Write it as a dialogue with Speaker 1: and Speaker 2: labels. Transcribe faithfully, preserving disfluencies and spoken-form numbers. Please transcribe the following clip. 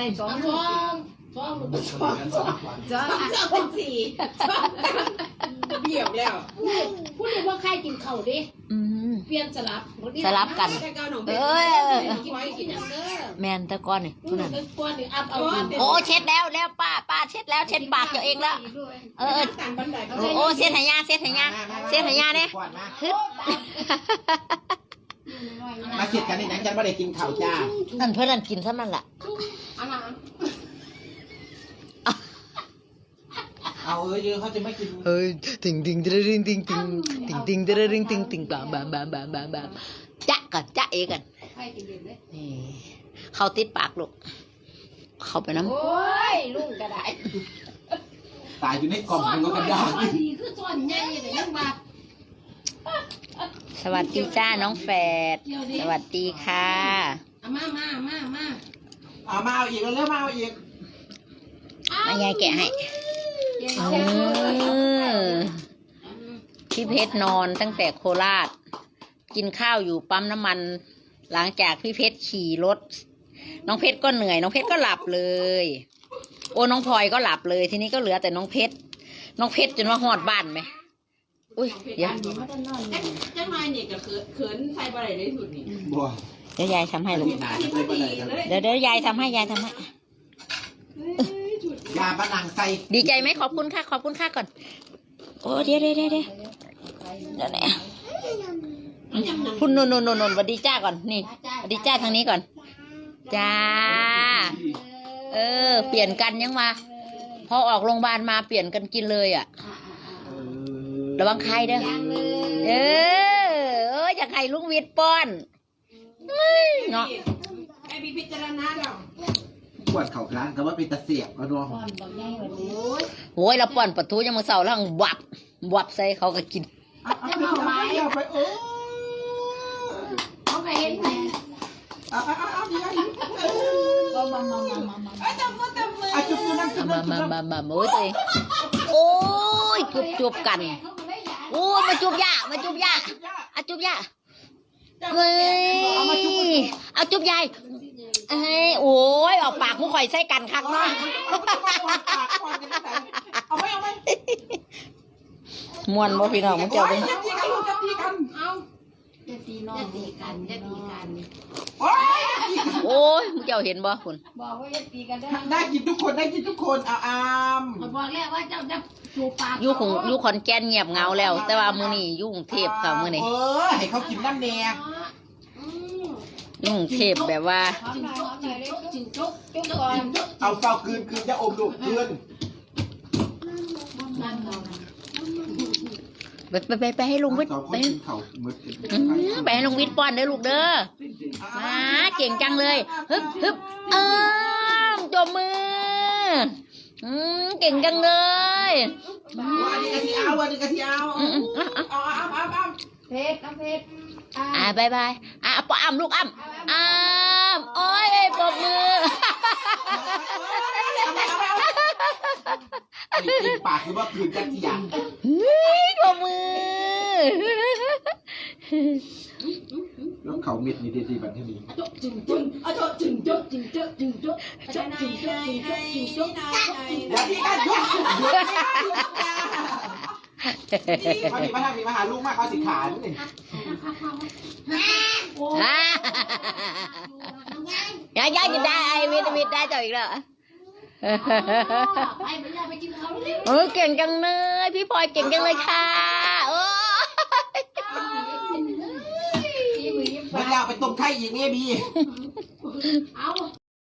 Speaker 1: สอง
Speaker 2: สองสองสองสอง
Speaker 1: สอง
Speaker 2: สองเป็นสี่เบี่ยวแล้วพูดเลยว่าใครกินเข่าดิ
Speaker 3: อืม
Speaker 2: เปลี่ยนสลับ
Speaker 3: สลับกัน
Speaker 2: เอ
Speaker 3: เอ้ย
Speaker 2: อกินไว้กินอย่างเด้อ
Speaker 3: แมนแตะก้อนนี่
Speaker 2: พูดเลยก้อนหนึ่งอัพเอา
Speaker 3: โอ้เช็ดแล้วแล้วป้าป้าเช็ดแล้วเช็ดปากตัวเองแล้วเออ
Speaker 2: ต่างบันไดเขา
Speaker 3: โอ้โอ้เช็ดไหยาเช็ดไหยาเช็ดไหยาเนี่ยฮึด
Speaker 1: มาเสียดกันในนั้นฉันไม่ได้กินข้าวจ้า
Speaker 3: นั่นเพื่อนนั่นกินซะมันล่ะ
Speaker 2: อะไร
Speaker 1: เอาเออเยอะเขาจะไม่กิน
Speaker 3: เฮ้ยติงติงติงติงติงติงติงติงติงติงติงติงบามบามบามบามบามบามจ๊ะก่อนจ๊ะเอกัน
Speaker 2: ใครกินเด่นเลย
Speaker 3: นี่เขาติดปากลูกเข้าไปน้ำ
Speaker 2: โอ้ยลุงกระได
Speaker 1: ตายอยู่ในกล่องมันก็กระดาษ
Speaker 2: ดีคือส่วนใหญ่เลยยังมา
Speaker 3: สวัสดีจ้าน้องแฝดสวัสดีค่ะ
Speaker 2: มามามามา
Speaker 1: เอามาเอาอีกแล้วเริ่มมาเอาอีก
Speaker 3: มายายแกะให้อืมพี่เพชรนอนตั้งแต่โคราช กินข้าวอยู่ปั๊มน้ำมัน หลังจากพี่เพชรขี่รถ น้องเพชรก็เหนื่อย น้องเพชรก็หลับเลย โอ้น้องพลอยก็หลับเลย ทีนี้ก็เหลือแต่น้องเพชร น้องเพชรจนว่าหอดบ้านไหมอุ้ยเดี๋ยว
Speaker 2: จังไรเนี่ยก็เขินใส่บะไรได้สุดนี่
Speaker 1: บัว
Speaker 3: เดี๋ยวยายทำให้ลูก
Speaker 1: หนาจะไปอะไรกัน
Speaker 3: เดี๋ยวเดี๋ยวยายทำให้ยายทำให้
Speaker 1: ยาปะนังใส่
Speaker 3: ดีใจไหมขอบคุณค่ะขอบคุณค่ะก่อน โอ้เดี๋ยวเดี๋ยวเดี๋ยวเดี๋ยวเดี๋ยวนะคุณนนนนนนสวัสดีจ้าก่อนนี่สวัสดีจ้าทางนี้ก่อน จ้า เออ เปลี่ยนกันยังมาพอออกโรงพยาบาลมาเปลี่ยนกันกินเลยอ่ะระวังใครเด้อเออเอออยากให้ลุงวิทย์ป้อนเนาะ
Speaker 2: ไอ้พี่พิจารณาเรา
Speaker 1: ปวดเข่าครั้งก็ว่าเป็นตะเสียบก็ดวง
Speaker 3: โอ้ยเราป้อนปะทูยังมาเศร้าแล้ววับวับใส่เขาก็กิน
Speaker 1: เอาเอาไปเอาไปเออ
Speaker 2: เขาไปเห็นไหม
Speaker 1: เอาเอาเอาเอาดีเอา
Speaker 2: มามามามามาไอ้ตำมือตำมือ
Speaker 1: เอาจุ๊บจุ๊บนั่งจุ๊บ
Speaker 3: มา
Speaker 1: นั่งจุ๊
Speaker 3: มา
Speaker 1: บ
Speaker 3: มามาโอ้ยตัวเองโอ้ยจุบจุบกันโอ้ยมาจุบยามาจุบยาอะจุบยาเฮ้ยเอาจุบยายเอ้ยโอ้ยออกปากมุข่อยใส่กันคักเนาะ
Speaker 1: เอาไปเอาไป
Speaker 3: มวนบ่พี่น้องมึงเจ้า
Speaker 1: ไป
Speaker 3: เบิ่ง
Speaker 1: จะตีกันจะตีกัน
Speaker 2: เอาจะตีน้องจะตีกันจะตีกัน
Speaker 1: โอ้ย
Speaker 3: โอ้ยมึงเจ้าเห็นบ่คุณ
Speaker 2: บอกว่าจะตีกันได้
Speaker 1: ได้กินทุกคนได้กินทุกคนเอาอาม
Speaker 2: บอกแล้วว่าเจ้าจะจูปาก
Speaker 3: อยู่ของอยู่ขอนแก่นเงียบเหงาแล้ว แต่ว่ามื้อนี้อยู่กรุงเทพค่ะมื้อนี้
Speaker 1: เออให้เขากินน้ำแดง
Speaker 3: อยู่กรุงเทพแบบว่า
Speaker 2: จิงจุกจิงจุกจิงจุกจุกก่อน
Speaker 1: เอาเฝ้าคืนคืนจะอมลูกคืน
Speaker 2: นั่นเรา
Speaker 3: ไปไปไปไปให้ลุงวิทย์
Speaker 1: สองค
Speaker 3: ไป
Speaker 1: นกินเข่าหมด
Speaker 3: อืมไปให้ลุงวิทย์ป้อนเด้อลูกเด้อมาเก่งจังเลยฮึบฮึบเอิมจมมืออืมเก่งจังเลย
Speaker 1: วันนี้กะทิเอาวันนี้กะทิเอา
Speaker 3: อืมอืมอ่ะอ่ะ
Speaker 1: เอาเอาเอาเอา
Speaker 2: เพชรน้ำเพชร
Speaker 3: อ่าบายบายอ่ะปออ้ำลูกอ้ำอ้ำโอ้ยปรบมือ
Speaker 1: ไอ้กินปากคือว่าคืนกันที่อย่าง
Speaker 3: เฮ้ยปรบมือ
Speaker 1: แล้วเขาเม็ดนี่ดีๆแบบนี้
Speaker 2: จุกจิงจุกอ่ะจุกจิงจุกจิงจุกจิงจุกจุกจิงจุกจิงจุกจิงจุก
Speaker 1: อย่าที่กันยุกยุกพอดีมาทำมีมาหาลูกมากเขาสิขานี่
Speaker 3: ฮ่าอย่าอย่าจะได้วิตามินได้ต่ออีกแล้ว
Speaker 2: ไปไปไปกินข้าวเลย
Speaker 3: เออเก่งจังเลยพี่พลอยเก่งจังเลยค่ะโอ้
Speaker 1: เมื่อเราไปต้มไข่อีกเนี่ยบี
Speaker 2: เอา